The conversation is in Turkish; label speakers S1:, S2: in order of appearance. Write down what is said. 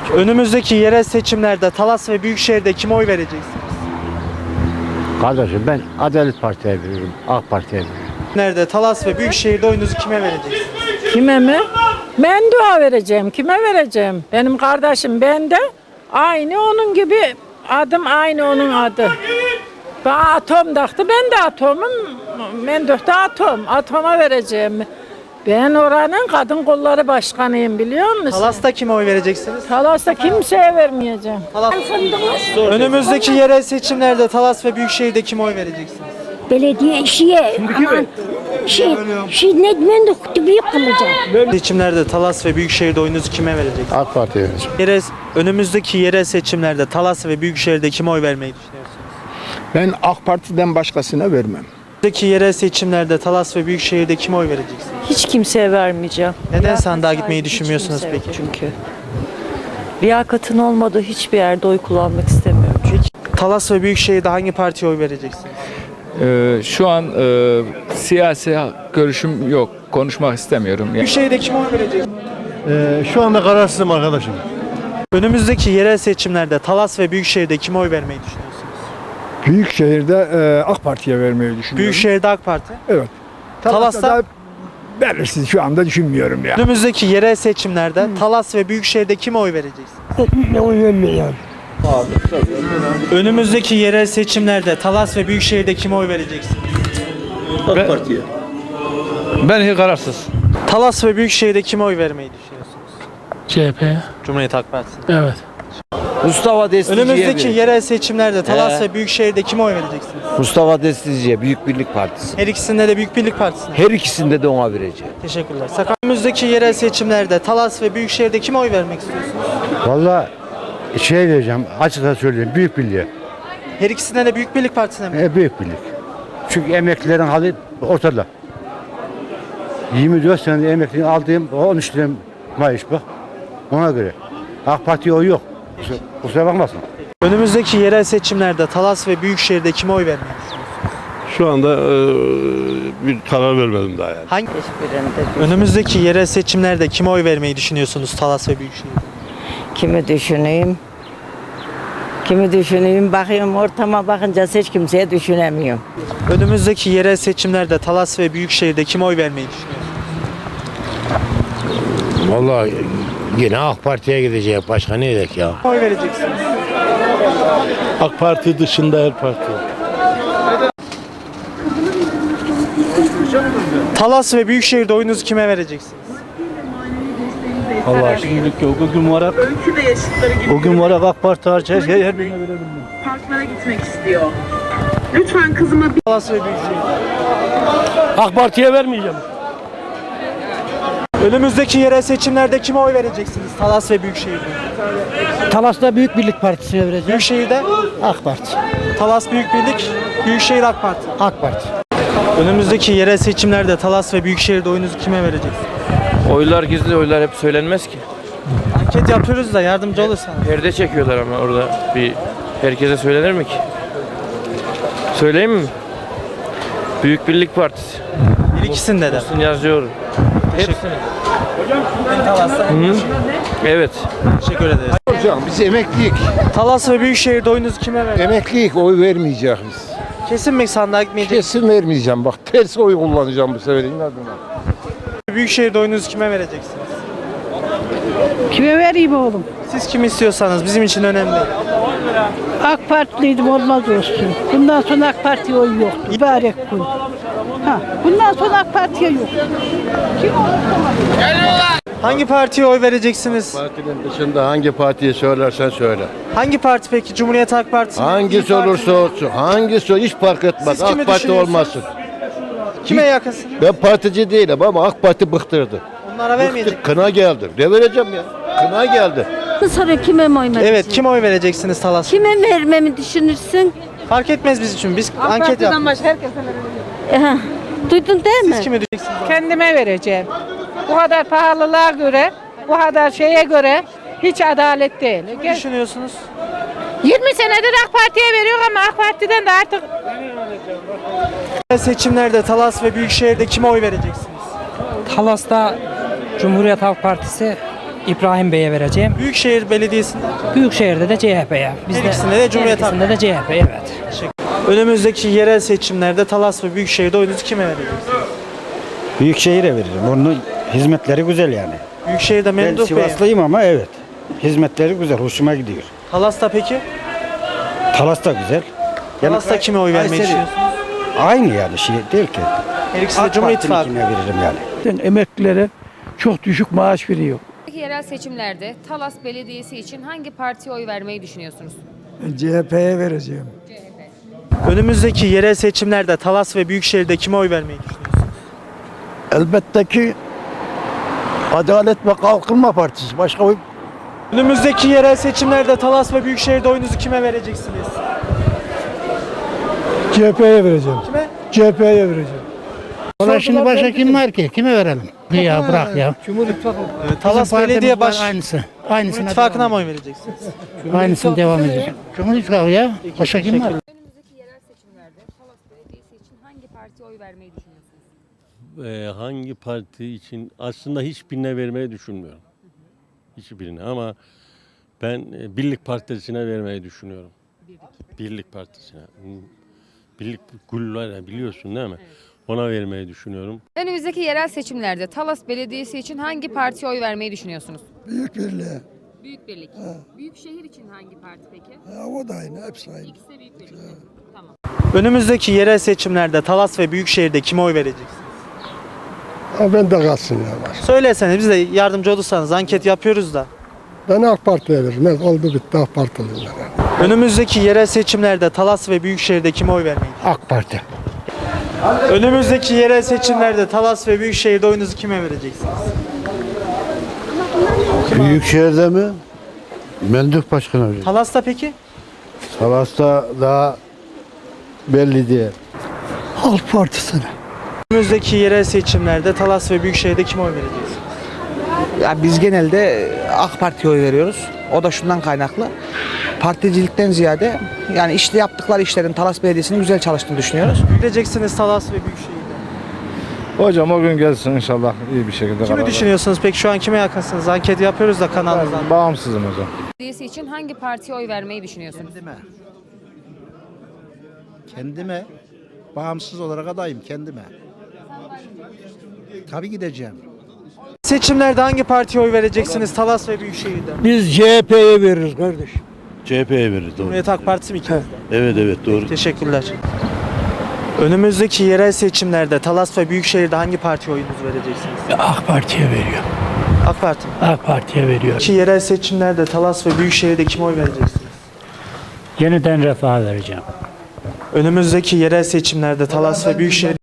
S1: Önümüzdeki yerel seçimlerde Talas ve Büyükşehir'de kime oy vereceksiniz?
S2: Kardeşim ben Adalet Parti'ye veriyorum, AK Parti'ye veriyorum.
S1: Nerede Talas ve Büyükşehir'de oyunuzu kime vereceksiniz?
S3: Kime mi? Ben dua vereceğim. Kime vereceğim? Benim kardeşim ben de aynı onun gibi adım aynı onun adı. Bana atom taktı. Ben de atomum. Ben de atom. Atoma vereceğim. Ben oranın kadın kolları başkanıyım biliyor musun?
S1: Talas'ta kime oy vereceksiniz?
S3: Talas'ta kimseye vermeyeceğim.
S1: Önümüzdeki yerel seçimlerde Talas ve Büyükşehir'de kime oy vereceksiniz?
S4: Belediye işiye aman ne de büyük kılacak.
S1: Seçimlerde Talas ve Büyükşehir'de oyunuzu kime vereceksiniz?
S2: AK Parti'ye vereceğim.
S1: Önümüzdeki yerel seçimlerde Talas ve Büyükşehir'de kime oy vermeyi düşünüyorsunuz?
S5: Ben AK Parti'den başkasına vermem.
S1: Önümüzdeki yerel seçimlerde Talas ve Büyükşehir'de kime oy vereceksiniz?
S6: Hiç kimseye vermeyeceğim.
S1: Neden sandığa gitmeyi düşünmüyorsunuz
S6: Hiç kimse
S1: peki?
S6: yok çünkü. Liyakatın olmadığı hiçbir yerde oy kullanmak istemiyorum.
S1: Talas ve Büyükşehir'de hangi partiye oy vereceksiniz?
S7: Şu an siyasi görüşüm yok. Konuşmak istemiyorum.
S1: Büyükşehir'de kime oy vereceksiniz?
S2: Şu anda kararsızım arkadaşım.
S1: Önümüzdeki yerel seçimlerde Talas ve Büyükşehir'de kime oy vermeyi düşünüyorsunuz?
S5: Büyükşehir'de AK Parti'ye vermeyi düşünüyorum.
S1: Büyükşehir'de AK Parti.
S5: Evet.
S1: Talas'ta
S5: da belirsiz şu anda düşünmüyorum ya.
S1: önümüzdeki yerel seçimlerde Talas ve Büyükşehir'de kime oy vereceksiniz?
S5: Oy vermiyorum.
S1: Önümüzdeki yerel seçimlerde Talas ve Büyükşehir'de kime oy vereceksiniz?
S7: Ben hiç kararsız.
S1: Talas ve Büyükşehir'de kime oy vermeyi düşünüyorsunuz?
S8: CHP.
S1: Cumhuriyet Halk Partisi.
S8: Evet.
S9: Mustafa Destici'ye
S1: Önümüzdeki yerel seçimlerde Talas
S9: He.
S1: ve Büyükşehir'de kime oy vereceksiniz?
S9: Mustafa Destici'ye Büyük Birlik Partisi.
S1: Her ikisinde de Büyük Birlik Partisi'ne.
S9: Her ikisinde de ona vereceğim.
S1: Teşekkürler. Önümüzdeki yerel seçimlerde Talas ve Büyükşehir'de kime oy vermek istiyorsunuz?
S2: Vallahi şey diyeceğim, açıkça söyleyeyim, Büyük Birliğe.
S1: Her ikisinde de Büyük Birlik Partisi'ne mi?
S2: Büyük Birlik. Çünkü emeklilerin hali ortada. 24 senede emekliliğini aldığım 13 lira maaş bak. Ona göre. AK Parti'ye oy yok. Kusura bakmasın.
S1: Önümüzdeki yerel seçimlerde Talas ve Büyükşehir'de kime oy vermeyi düşünüyorsunuz?
S10: Şu anda bir karar vermedim daha yani.
S1: Hangi? Önümüzdeki yerel seçimlerde kime oy vermeyi düşünüyorsunuz Talas ve Büyükşehir'de?
S3: Kimi düşüneyim? Kimi düşüneyim? Bakıyorum ortama bakınca hiç kimseye düşünemiyorum.
S1: Önümüzdeki yerel seçimlerde Talas ve Büyükşehir'de kime oy vermeyi düşünüyorsunuz?
S2: Vallahi yine AK Parti'ye gidecek. Başka ne edek ya?
S1: Kime oy vereceksiniz?
S10: AK Parti dışında her parti.
S1: Talas ve Büyükşehir'de oyunuzu kime vereceksiniz?
S9: Allah şimdilik yok. O gün var AK Parti hariç her birine verebilirim.
S11: Parklara gitmek istiyor. Lütfen kızıma bir...
S1: Talas ve Büyükşehir.
S9: AK Parti'ye vermeyeceğim.
S1: Önümüzdeki yerel seçimlerde kime oy vereceksiniz Talas ve Büyükşehir'de?
S9: Talas'ta Büyük Birlik Partisi'ne vereceğim.
S1: Büyükşehir'de
S9: AK Parti.
S1: Talas Büyük Birlik, Büyükşehir AK Parti.
S9: AK Parti.
S1: Önümüzdeki yerel seçimlerde Talas ve Büyükşehir'de oyunuzu kime vereceksiniz?
S7: Oylar gizli, oylar hep söylenmez ki.
S1: Anket yapıyoruz da yardımcı olursan.
S7: Perde çekiyorlar ama orada bir herkese söylenir mi ki? Söyleyeyim mi? Büyük Birlik Partisi.
S1: Bir ikisinde de.
S7: Yazıyorum. Hepsini. Evet.
S1: Teşekkür ederiz.
S5: Hocam biz emekliyik.
S1: Talas ve Büyükşehir'de oyunuzu kime vereceksiniz?
S5: Emekliyik oy vermeyeceğiz.
S1: Kesin mi sandığa gitmeyeceksiniz?
S5: Kesin vermeyeceğim. Bak ters oy kullanacağım bu sefer inadına.
S1: Büyükşehir'de oyunuzu kime vereceksiniz?
S3: Kime vereyim oğlum?
S1: Siz kimi istiyorsanız bizim için önemli değil.
S3: AK Partiliydim olmaz olsun. Bundan sonra AK Parti'ye oy yok. Mübarek gün. Bundan sonra AK Parti'ye yok.
S1: Hangi partiye oy vereceksiniz?
S2: Partinin dışında hangi partiye söylersen söyle.
S1: Hangi parti peki? Cumhuriyet Halk Partisi mi?
S2: Hangisi
S1: İYİ Parti
S2: olursa
S1: mi?
S2: olsun, hangisi hiç fark etmez.
S1: Siz kimi
S2: AK Parti
S1: düşünüyorsunuz?
S2: olmasın.
S1: Kime yakınsınız?
S2: Ben partici değilim ama AK Parti bıktırdı.
S1: Onlara vermeyecek.
S2: Kına geldi. Ne vereceğim ya? Kına geldi.
S4: Sonra kime mi oynayacaksın?
S1: Evet, kime oy vereceksiniz Talas?
S4: Kime vermemi düşünürsün?
S1: Fark etmez biz için. Biz anket yaptık.
S4: Duydun değil mi?
S1: Siz kimi diyeceksiniz?
S3: Kendime vereceğim. Bu kadar pahalılığa göre, bu kadar şeye göre hiç adalet değil.
S1: Ne düşünüyorsunuz?
S3: 20 senedir AK Parti'ye veriyor ama AK Parti'den de artık
S1: Seçimlerde Talas ve Büyükşehir'de kime oy vereceksiniz?
S8: Talas'ta Cumhuriyet Halk Partisi, İbrahim Bey'e vereceğim.
S1: Büyükşehir Belediyesi'nde
S8: Büyükşehir'de de CHP'ye.
S1: her ikisinde de Cumhuriyet Halk
S8: İkisinde de CHP, evet.
S1: Önümüzdeki yerel seçimlerde Talas ve Büyükşehir'de oyunuzu kime vereceksiniz?
S2: Büyükşehir'e veririm. Onun hizmetleri güzel yani.
S1: Büyükşehir'de
S2: Ben
S1: Memduh Bey.
S2: Sivaslıyım ama evet. Hizmetleri güzel. Hoşuma gidiyor.
S1: Talas'ta peki?
S2: Talas da güzel.
S1: Talas'ta kime oy vermeyi
S2: Kayseri-
S1: düşünüyorsunuz?
S2: Aynı yani şey değil ki.
S1: Her ikisi de Cumhur İttifakı.
S2: Partininkine veririm yani.
S5: Emeklilere çok düşük maaş veriyor.
S12: Yerel seçimlerde Talas Belediyesi için hangi partiye oy vermeyi düşünüyorsunuz?
S5: CHP'ye vereceğim.
S1: Önümüzdeki yerel seçimlerde Talas ve Büyükşehir'de kime oy vermeyi düşünüyorsunuz?
S5: Elbette ki Adalet ve Kalkınma Partisi. Başka oy
S1: Önümüzdeki yerel seçimlerde Talas ve Büyükşehir'de oyunuzu kime vereceksiniz?
S5: CHP'ye vereceğim.
S1: Kime?
S5: CHP'ye vereceğim.
S9: Valla şimdi başka kim var ki? Kime verelim? Ya bırak ya.
S1: Talas Belediye Baş
S9: Aynısı.
S1: Cumhur
S9: Aynısına
S1: İttifakı'na mı oy vereceksiniz?
S9: Aynısını devam edecek. Cumhur İttifakı ya. Başka kim var?
S12: Önümüzdeki yerel seçimlerde Talas Belediyesi için hangi partiye oy vermeyi düşünüyorsunuz?
S10: Hangi parti için aslında hiçbirine vermeyi düşünmüyorum. Hiçbirine ama ben Birlik Partisi'ne vermeyi düşünüyorum. Birlik Partisi'ne. Birlik Gül biliyorsun değil mi? Ona vermeyi düşünüyorum.
S12: Önümüzdeki yerel seçimlerde Talas Belediyesi için hangi partiye oy vermeyi düşünüyorsunuz?
S5: Büyük Birliğe.
S12: Büyük Birlik. Büyükşehir için hangi parti peki?
S5: O da aynı. Hepsi aynı.
S12: İkisi de Büyük Birlik. Tamam.
S1: Önümüzdeki yerel seçimlerde Talas ve Büyükşehir'de kime oy vereceksiniz?
S5: Ben de kalsın ya.
S1: Söyleseniz biz de yardımcı olursanız anket yapıyoruz da.
S5: Ben AK Parti'ye veririm. Oldu bitti AK Parti'liyim ben.
S1: Önümüzdeki yerel seçimlerde Talas ve Büyükşehir'de kime oy vermeyi?
S9: AK Parti.
S1: Önümüzdeki yerel seçimlerde Talas ve Büyükşehir'de oyunuzu kime vereceksiniz?
S2: Büyükşehir'de mi? Memduh Başkan'a veririm.
S1: Talas'ta peki?
S2: Talas'ta daha belli değil.
S5: Halk Partisi'ne.
S1: Önümüzdeki yerel seçimlerde Talas ve Büyükşehir'de kime oy vereceksiniz?
S8: Ya biz genelde AK Parti'ye oy veriyoruz. O da şundan kaynaklı. Particilikten ziyade yani işte yaptıkları işlerin Talas Belediyesi'nin güzel çalıştığını düşünüyoruz.
S1: Vereceksiniz Talas ve Büyükşehir'de.
S5: Hocam o gün gelsin inşallah iyi bir şekilde.
S1: Kimi düşünüyorsunuz peki? Şu an kime yakınsınız? Anket yapıyoruz da kanalımızdan.
S5: Bağımsızım hocam.
S12: Belediyesi için hangi partiye oy vermeyi düşünüyorsunuz?
S9: Kendime. Bağımsız olarak adayım kendime. Tabii gideceğim.
S1: Seçimlerde hangi partiye oy vereceksiniz Talas ve Büyükşehir'de?
S5: Biz CHP'ye veririz kardeş.
S10: CHP'ye veririz.
S1: Cumhuriyet Halk Partisi mi ikiniz de?
S10: Evet doğru.
S1: Teşekkürler. Önümüzdeki yerel seçimlerde Talas ve Büyükşehir'de hangi partiye oyunuzu vereceksiniz?
S9: AK Parti'ye veriyor.
S1: AK Parti mi?
S9: AK Parti'ye veriyor.
S1: Ki yerel seçimlerde Talas ve Büyükşehir'de kime oy vereceksiniz?
S9: Yeniden Refah'a vereceğim.
S1: Önümüzdeki yerel seçimlerde Talas ve Büyükşehir